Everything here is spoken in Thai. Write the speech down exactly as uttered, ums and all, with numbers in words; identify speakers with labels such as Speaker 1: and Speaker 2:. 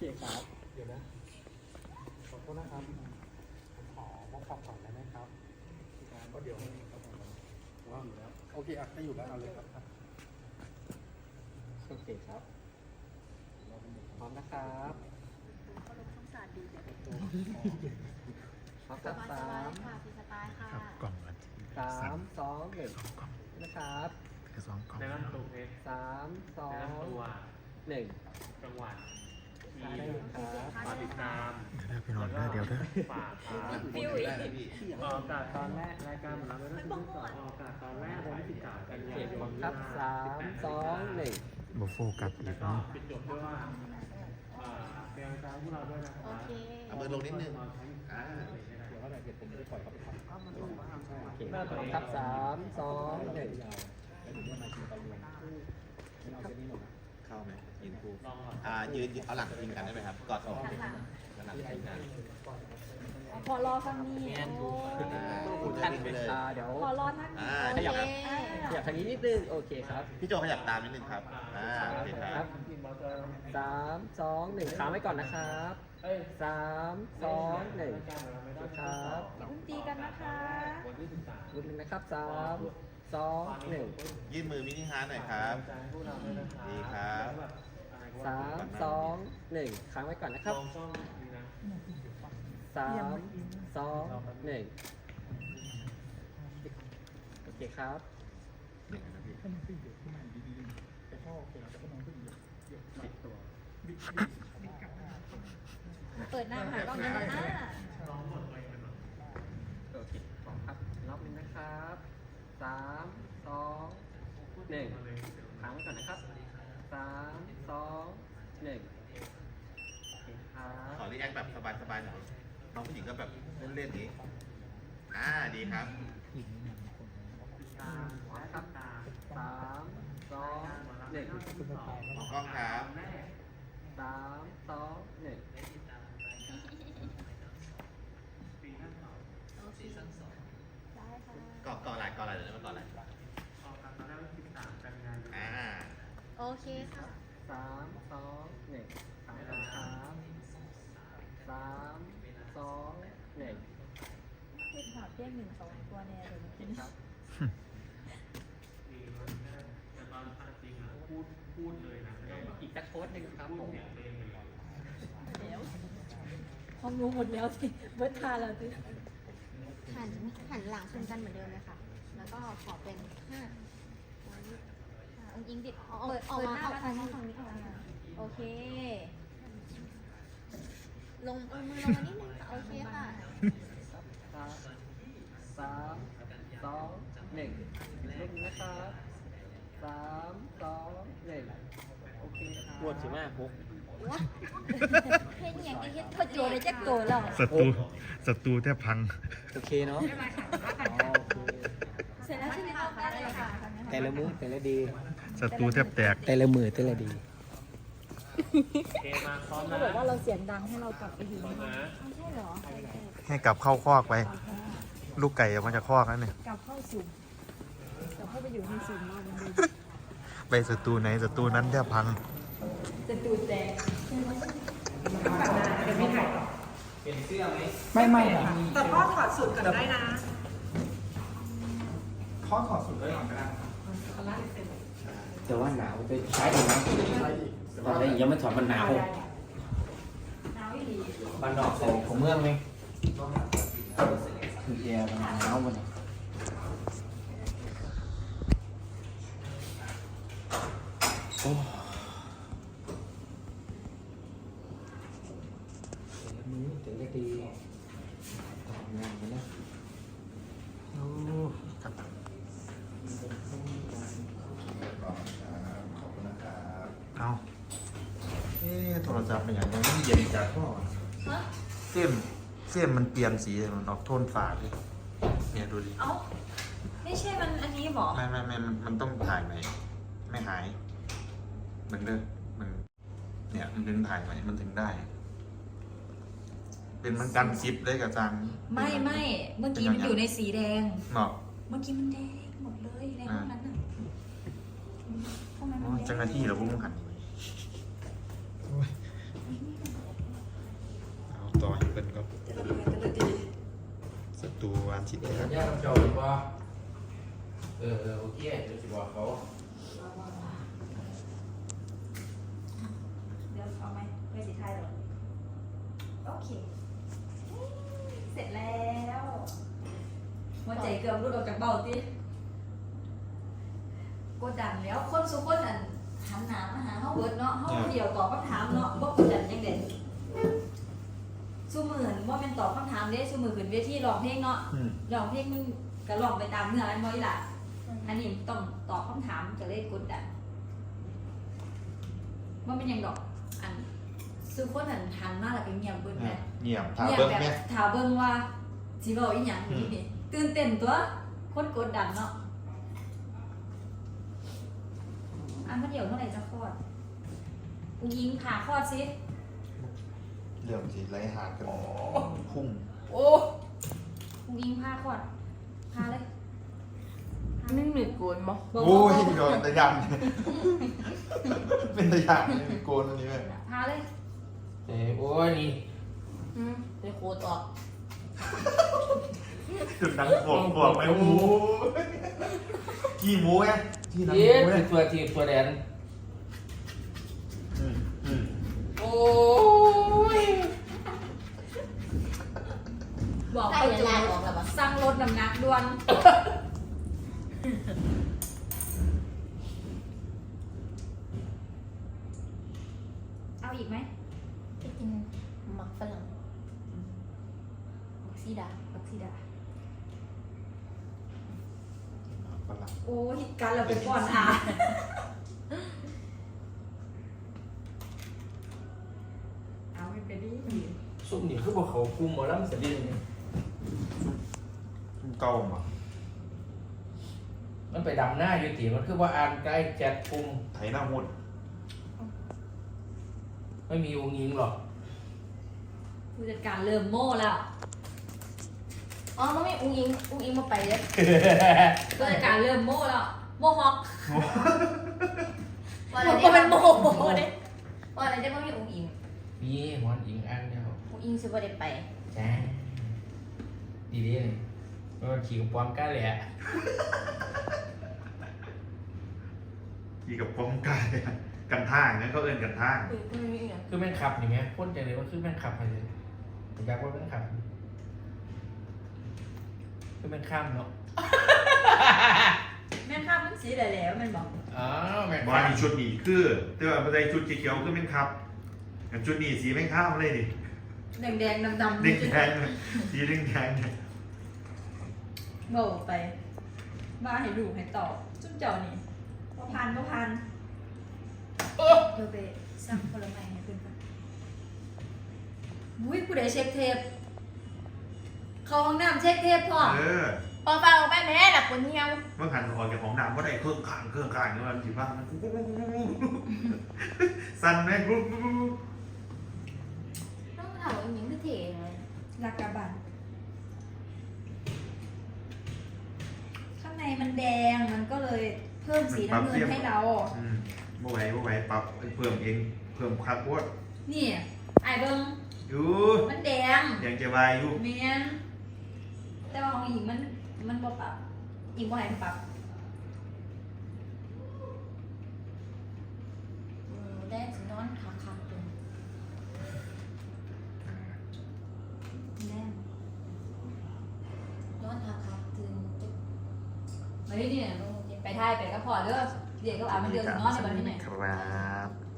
Speaker 1: เคครับ
Speaker 2: เดี๋ยวนะขอโทษนะครับผมขอมอบความก่อนได้ไหมครับก็เดี๋ยวว่างอยู่แล้วโอเคอ่ะถ้าอยู่แล้วเอาเลยครับ
Speaker 1: โอเคครับพร้อมนะครับ
Speaker 3: เขาลงช่องศาสตร์ดีแบบ
Speaker 1: พร้อมครับสาม
Speaker 3: ค่ะฟีสไตล์ค่ะ
Speaker 4: ครับกล่องละที
Speaker 1: สามสองหนึ่ง
Speaker 4: สองกล่อง
Speaker 1: นะครับ
Speaker 4: คือสองกล่อง
Speaker 5: ในลำตัวเพชร
Speaker 1: สามสอ
Speaker 5: ใน
Speaker 1: ง
Speaker 5: ลำตัว
Speaker 1: หนึ่ง
Speaker 5: จังหวัดที
Speaker 1: ได้ครับ
Speaker 5: ฝากติดตาม
Speaker 4: เดี๋ยวได้พี่นอนได้เดี๋ยวได้
Speaker 5: ฝากครับ
Speaker 3: ฟิวอีก
Speaker 5: ออกอากาศตอนแรกรายการของเราไม่ได้ที่สองออกอากาศตอนแรกวันที่สิบเก้ากัน
Speaker 1: โอเค
Speaker 5: ยาย
Speaker 1: พร้อน มครับสามสองหนึ่ง
Speaker 4: บโฟกัสอี
Speaker 5: แล้ว
Speaker 4: ก
Speaker 5: ก็
Speaker 4: เนาะ
Speaker 5: ปิดจบด้วยว่าเอ่อเป็นกำลังใจให้พวกเราด้วยนะค
Speaker 3: โอ
Speaker 5: รับ
Speaker 3: เค
Speaker 6: เอามือลงนิดนึงอ่า
Speaker 2: เดี๋ยวอะไรเกิดผมไม่ได้ปล่อยเขาไปทำ
Speaker 1: โอเคพร้อมครับสามสองหนึ่ง
Speaker 2: แล้วถึงจะมากินตอนรวมไม่เอาเส้นนี้หมดนะ
Speaker 6: เข้าไหมยืนคู่
Speaker 5: ลองก่อน
Speaker 6: อ่ายืนเอาหลังพิงกันได้ไหมครับกอดอกเอาหลังพิงกัน
Speaker 3: พอรอฟังนี่โอ้
Speaker 6: อ่า
Speaker 1: ทุกท่านเป็นตาเดี๋ยว
Speaker 3: พอรอท่าน
Speaker 6: อ่า
Speaker 3: โอ
Speaker 6: ขยับ
Speaker 3: เค
Speaker 1: ขยับทางนี้นิดนึงโอเคครับ
Speaker 6: พี่โจขยับตามนิดนึงครับอ่าโอเคค
Speaker 1: ค
Speaker 6: รั
Speaker 1: รั
Speaker 6: บบ
Speaker 1: สามสองหนึ่งค้างไว้ก่อนนะครับ
Speaker 5: เอ้ย
Speaker 1: สามสองหนึ่ง
Speaker 5: รายการของเราไม่ได้
Speaker 1: ครับ
Speaker 3: อย่าเพิ่งตีกันนะคะ
Speaker 5: วันที่สิบสาม
Speaker 1: รุนหนึ่งนะครับสามสองหนึ่ง
Speaker 6: ยื่นมือมินิฮาร์ทหน่อยครับ
Speaker 5: พวกเราด้วยนะครับ
Speaker 6: ดีครับ
Speaker 1: สามสองหนึ่งค้างไว้ก่อนนะครับ
Speaker 5: ลองช่องนี้นะ
Speaker 1: สามสองหนึ่งโอเคครับ
Speaker 6: หนึ่งนะพี่
Speaker 2: ถ้ามันขึ้นเยอะขึ้นมาดีๆแต่พ่อเป็นแต่ก็น้องขึ้นเยอะเยอะ
Speaker 1: ปิดตัว
Speaker 2: บิ๊ก
Speaker 3: เปิดหน้าหากล้องเดินหน้า
Speaker 1: โอเคพร้อมครับรอบหนึงนะครับสามสองหนึ่งค้างไว้ก่อนนะครับสามสองหนึ่งโอเคครับ
Speaker 6: ขอรีแอคแบบสบายๆหน่อยน้องผู้หญิงก็แบบเล่นๆนี้อ่าดีครับ
Speaker 1: สามครับสามสองหนึ่ง
Speaker 6: มองกล้องครับ
Speaker 1: สามสองหนึ่ง
Speaker 3: โอเคได้ค่ะ
Speaker 6: เกาะเกาะไหล่เกาะไหล่เดี๋ยวนี้มันเกาะไหล่
Speaker 5: ออกอากาศตอนแรกวันที่สิบสามกันยายน
Speaker 6: อ่า
Speaker 3: โอเคค่ะ
Speaker 1: สามสองหนึ่งสามสามสามสองหนึ่ง
Speaker 3: เรียกหาเพียงหนึ่งสองตัวแน่เลย
Speaker 1: โอเคครับ
Speaker 5: แต่ตอนจริงอ่ะพูดพูดเลยนะไม่ได้แบบ
Speaker 1: อีกสักโค้ดหนึ่งครับ
Speaker 5: พู
Speaker 1: ผ
Speaker 5: ด
Speaker 1: ม
Speaker 5: เสียงตัวเองเลย
Speaker 3: เดี๋ยวห้องรู้หมดแล้วสิเบิร์ดทาแล้วสิหันหันหลังชนกันเหมือนเดิมเลยค่ะ แล้วก็ขอเป็นห้าองอิงดิดเปิดออกมาเอาฝั่งนี้ฝั่งนี้ออกมาโอเค ลงเอามือลงมานิดนึงค่ะโอเคค่ะ
Speaker 1: สามสามสองหนึ่งลุกนะครับสามสองหนึ่งโอเคครับปวดสิมากปุ๊บ
Speaker 3: วะเห็นอย่างที่เห็นพอโจเลยจะโกรธหรอ
Speaker 4: ศัตรูศัตรูแทบพัง
Speaker 1: โอเคเนาะ
Speaker 3: เสร็จแล้วใช่ไหมคะได้เลยค่ะ
Speaker 1: แต่ละมือแต่ละดี
Speaker 4: ศัตรูแทบแตก
Speaker 1: แต่ละมือแต่ละดี
Speaker 5: เอมาพร้อม
Speaker 3: เขา
Speaker 5: นะ
Speaker 3: บอกว่าเราเสียงดังให้เรากลับไปอยู่
Speaker 5: พร้อมนะ
Speaker 3: ไม่ใช่เหรอ
Speaker 4: ให้กลับเข้าคอกไป ลูกไก่ออกมาจากคอกแล้วเนี่ย
Speaker 3: กลับเข้าสุ่มกลับเข้าไปอยู่ในสุ่มเราเหมือนเดิม
Speaker 4: ไปศัตรูไหนศัตรูนั้นแทบพัง
Speaker 3: จะตูดแดง
Speaker 2: ไม่ไม่ค่ะ
Speaker 7: แต่พ่อถอดสูตรก่อนได้นะ
Speaker 2: พ่อถอดสุดเลยก่อนก็ได้
Speaker 8: แต่ว่าหนาวไปใช้ดีนะตอนนี้ยังไม่ถอดมันหนาว
Speaker 3: หนาวอีหลี
Speaker 8: บ้านนอกของของเมืองไหมคือแอร์มันหนาวมันโอ้แต่ละมือแต่ละดีทำงานกันนะ
Speaker 4: โอ้ครับ เอาเอ๊ะโทรศัพท์เป็นอย่างนี้มันเย็นจากพ่อเส้มเส้มมันเปลี่ยนสีมันออกโทนฝาดเลยเนี่ยดูดิ
Speaker 3: เอ้าไม่ใช่มันอันนี้หรอ
Speaker 4: ไม่ไม่ไม่มันมันต้องถ่ายใหม่ไม่หายเหมือนเดิมมันเนี่ยมันถึงถ่ายใหม่มันถึงได้ เป็นมันกันซิปได้กับจัง
Speaker 9: ไม่ไม่เมื่อกี้มันอยู่ในสีแดง
Speaker 4: เนาะ
Speaker 9: เมื่อกี้มันแดงหมดเลยในห้องนั้นน่ะห้องนั้น
Speaker 4: โอ้
Speaker 9: มันแดง
Speaker 4: เจ้าหน้าที่เหราพุ่งหันธิตย์
Speaker 8: เดี๋
Speaker 4: นะ
Speaker 8: ยว
Speaker 4: ครับ
Speaker 8: ญาติเจ้าหรือว่าเออเออโอเคเดี๋ยวจะบอกเขา
Speaker 9: เดี๋ยวเอาไหมไม่สิไทยหรอโอเค เสร็จแล้วหัวใจเกือบรุดออกจากเบ้าติกดดันแล้วคนสุคนอันหันหน้ามาหาเฮาเบิดเนาะเฮาผู้เดียวตอบคำถามเนาะบ่กดดันจังได๋สู้มือหั่นบ่แม่นตอบคำถามเด้สู้มือขึ้นเวทีร้องเพลงเนาะ
Speaker 4: อืม
Speaker 9: ร้องเพลงมึงก็ร้องไปตามเนื้ออันบ่อีหล่ะอันนี้ต้องตอบคำถามก็เลยกดดันบ่เป็นหยังดอกอันสู้คนอันหันมาแล้วก็เงียบเบิดแม่
Speaker 4: เงียบถามเบิ้ง
Speaker 9: แบ
Speaker 4: แม่
Speaker 9: บถามเบิ่งว่าสิเว้าอีหยังนี่นี่ตื่นเต้นตัวคนกดดันเนาะอันมาเดี๋ยวเมื่อไหร่จะคลอดอุ้งยิงผ่าคลอดสิ
Speaker 4: เรื่องสิไรหากันพุ่ง
Speaker 9: โอ้อุ้งยิงผ่าคลอดผ่าเลย
Speaker 3: ไม่มีโกนบ่
Speaker 4: โอ้ยเดี๋ยวตะยันเป็นตะยันไม่โกนอันนี้ไหม
Speaker 9: ผ่าเลย
Speaker 8: เออโอ้ยนี่
Speaker 3: อืมไปโคตรออก
Speaker 4: จุดดังปวดปวดไหมหมูกี่หมูไงที่ดังห
Speaker 8: เย็ด
Speaker 4: มูไง
Speaker 8: คือตัวทีตัวแดน
Speaker 4: อืมอืม
Speaker 8: โอ้ย
Speaker 9: บอก
Speaker 3: ได้
Speaker 9: ไป
Speaker 3: เว
Speaker 9: จู
Speaker 3: ลาออกแล้วบ่
Speaker 9: สั่งลดน้ำหนักด่วนเอาอีกไหม
Speaker 3: ไปกินหมักฝรั่งหมักซีดา
Speaker 9: บักซีดา
Speaker 4: ฝรั่ง
Speaker 9: โอ้ยการเราเป็นก่อนอ่ะเอาไม่เป็นดิ
Speaker 8: ซุ่มนี่คือบอกเขาคุมหมอลำสะดินนี่
Speaker 4: เก่ามา
Speaker 8: มันไปดำหน้าอยู่ตีมันคือว่าอ่านใกล้แจ็คคุม
Speaker 4: ไถหน้าหุ่น
Speaker 8: ไม่มีวงยิงหรอก
Speaker 9: ผู้จัดการเริ่มโม่แล้ว
Speaker 3: อ๋อมันไม่อุ้งอิงอุ้งอิงมาไปเลย
Speaker 9: ผู้จัดการเริ่มโม่แล้วโม่ฮอก
Speaker 3: ว่าอะไร
Speaker 9: ก็
Speaker 3: เนี่ย
Speaker 9: เป็นโม่เด้
Speaker 3: ว่าอะไรเนี่ยมันไม่อุ้งอิง
Speaker 8: มีหมอนยิงอันเดียว
Speaker 3: อุ้งอิงสิบ่ได้ไป
Speaker 8: จ้าดีดีเลยมันขี่กับปอมก้าเลยอะ
Speaker 4: กี่กับป้องกันกันท่างนั่นเขาเอินกันท่าง
Speaker 3: อุ้งอิงไม่มีอย่าง
Speaker 8: คือแม่งขับนี่ไหมพ่นใจเลยว่าคือแม่งขับไปเลยผมอยากว่าแม่งขับคือแม่งข้ามเนาะ
Speaker 9: แม่ข้ามมันสีได้แล้วมันบอก
Speaker 8: อ๋อแม่ง
Speaker 4: บอลนี่ชุดนี้คือแต่ว่าในชุดเขียวๆคือเป็นครับกับชุดนี้สีแม่งข้ามเลยดิ
Speaker 9: แดงแดงดำดำ
Speaker 4: แดงแดงสีแดงแดงเนี่ย
Speaker 9: โม่ไปมาให้ดูให้ต่อจุ้มเจ้านี่พอพันพอพันเดี๋ยวไปสั่งผลไม้ให้เพื่อนก่อนอุ้ยผู้ใดเช็คเทปเข้าห้องน้ำเช็คเทปพ่อ
Speaker 4: เออ
Speaker 3: พอฟังออกไปแม่หลับคนเหี่ยว
Speaker 4: เมื่อหันออกจากของน้ำก็ได้เครื่องข้างเครื่องข้างนี่มันสีบ้างมันสั่นไหมกรุ๊บ
Speaker 3: ต้องถามว่าอุ้งอิงคือเท่เลย
Speaker 9: ลากาบันข้างในมันแดงมันก็เลยเพิ่มสีน้ำเงินให้เรา
Speaker 4: อืมบ่ไหวบ่ไหวปรับเพิ่มเองเพิ่มคักโคตร
Speaker 9: นี่ไอ้เบิ้ง
Speaker 4: อยู่
Speaker 9: มันแดง
Speaker 4: ยังจะวายอยู่
Speaker 9: เมียนแต่ว่าของหญิงมันมันบ่ปรับหญิงบ่ให้มันปรับ
Speaker 3: อืมแดงสินอนคักคักๆเลย
Speaker 9: แน่น
Speaker 3: นอนคักคักๆตื่นตึ๊บ
Speaker 9: เฮ้ยเนี่ยไปท่ายไปก็พอเด้อเดี๋ยวก็อาบมันเดือดนอนในวันนี้ไหน
Speaker 4: ครับ